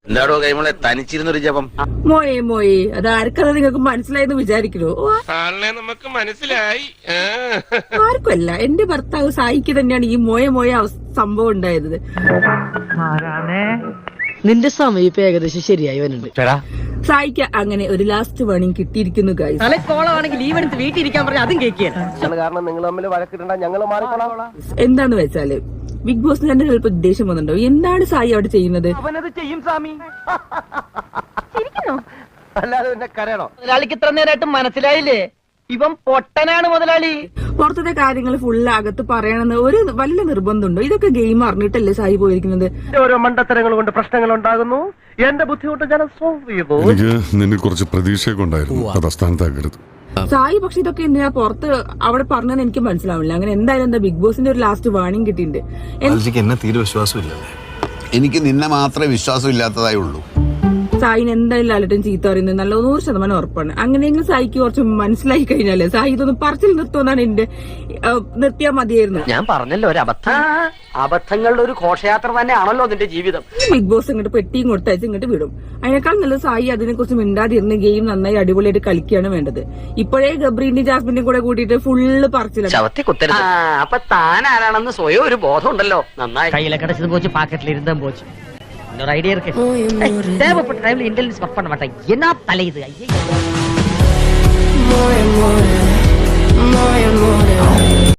എന്താടോ കൈമളെ തനിച്ചിരുന്നൊരു ജപം? മോയെ മോയെ അത് ആർക്കത് നിങ്ങൾക്ക് മനസ്സിലായെന്ന് വിചാരിക്കണോ? ആളിനെ നമുക്ക് മനസ്സിലായി. ആർക്കുമല്ല, എന്റെ ഭർത്താവ് സായിക്ക് തന്നെയാണ് ഈ മോയ സംഭവം ഉണ്ടായത്. നിന്റെ സമയം ഇപ്പൊ ഏകദേശം ശരിയായി വരുന്നുണ്ട്. സായിക്ക് അങ്ങനെ ഒരു ലാസ്റ്റ് വാണിംഗ് കിട്ടിയിരിക്കുന്നു ഗൈസ്. തലക്കോളമാണെങ്കിൽ ലീവ് എടുത്ത് വീട്ടിൽ ഇരിക്കാൻ പറഞ്ഞാൽ അതും കേൾക്കുകയാണ്. കാരണം നിങ്ങൾ തമ്മിൽ വഴക്കിടണ്ട, ഞങ്ങൾ മാറിക്കോളാം. എന്താന്ന് വെച്ചാല് ബിഗ് ബോസിന് തന്നെ ചിലപ്പോ ഉദ്ദേശം വന്നിട്ടുണ്ടോ? എന്താണ് സായി അവിടെ ചെയ്യുന്നത്? അവനത് ചെയ്യും സ്വാമി. അല്ലാതെ പിന്നെ കരയണോ? മുതലാളിക്ക് ഇത്ര നേരമായിട്ട് മനസ്സിലായില്ലേ? ഇവൻ പൊട്ടനാണ് മുതലാളി. പുറത്തത്തെ കാര്യങ്ങൾ ഫുള്ള് അകത്ത് പറയണമെന്ന് ഒരു വല്ല നിർബന്ധമുണ്ടോ? ഇതൊക്കെ ഗെയിം അറിഞ്ഞിട്ടല്ലേ സായി പോയിരിക്കുന്നത്? ഓരോ മണ്ടത്തരങ്ങൾ കൊണ്ട് പ്രശ്നങ്ങൾ ഉണ്ടാകുന്നു. എന്റെ ബുദ്ധിമുട്ട് ഞാൻ സോൾവ് ചെയ്തു. എനിക്ക് നിന്നെ കുറച്ച് പ്രതീക്ഷയൊക്കെ ഉണ്ടായിരുന്നു, അത് അസ്ഥാനത്താക്കരുത്. സായി പക്ഷെ ഇതൊക്കെ എന്തിനാ പുറത്ത് അവിടെ പറഞ്ഞതെന്ന് എനിക്ക് മനസ്സിലാവില്ല. അങ്ങനെ എന്തായാലും എന്താ ബിഗ് ബോസിന്റെ ഒരു ലാസ്റ്റ് വാണിംഗ് കിട്ടിയിട്ടുണ്ട്. എന്നെ തീരെ വിശ്വാസമില്ല. എനിക്ക് നിന്നെ മാത്രമേ വിശ്വാസം ഇല്ലാത്തതായി ഉള്ളൂ. സായിന് എന്തായാലും ലാലട്ടും ചീത്ത പറയുന്നത് നല്ല 100% ഉറപ്പാണ്. അങ്ങനെയെങ്കിലും സായിക്ക് കുറച്ച് മനസ്സിലായി കഴിഞ്ഞാലേ സായി ഇതൊന്നും പറച്ചിൽ നിർത്തുമെന്നാണ് എന്റെ നിർത്തിയാൽ മതിയായിരുന്നു. ഞാൻ പറഞ്ഞല്ലോ ഒരു അബദ്ധം. അബദ്ധങ്ങളുടെ ഒരു ഘോഷയാത്ര തന്നെയാണല്ലോ നിന്റെ ജീവിതം. ബിഗ് ബോസ് ഇങ്ങോട്ട് പെട്ടിയും കൊടുത്തയച്ച് ഇങ്ങോട്ട് വിടും. അതിനേക്കാൾ നല്ലത് സായി അതിനെ കുറിച്ച് മിണ്ടാതിരുന്ന് ഗെയിം നന്നായി അടിപൊളിയായിട്ട് കളിക്കുകയാണ് വേണ്ടത്. ഇപ്പോഴേ ഗബ്രീന്റെയും ജാസ്മിന്റെയും കൂടെ കൂട്ടിയിട്ട് ഫുള്ള് പറച്ചിലാണ്. ചവത്തി കുത്തരുത്. അപ്പൊ താൻ ആരാണെന്ന് സ്വയം ഒരു ബോധം ഉണ്ടല്ലോ. നന്നായി കയ്യിലെ കടച്ചത് പോച്ച് പാക്കറ്റിൽ ഇരുന്നും പോച്ച്. ஒரு ஐடியா இருக்கு. தேவைப்பட்ட டைம்ல இன்டெலிஜென்ஸ் ஒர்க் பண்ண மாட்டேன். என்ன தலை இது? ஐயே.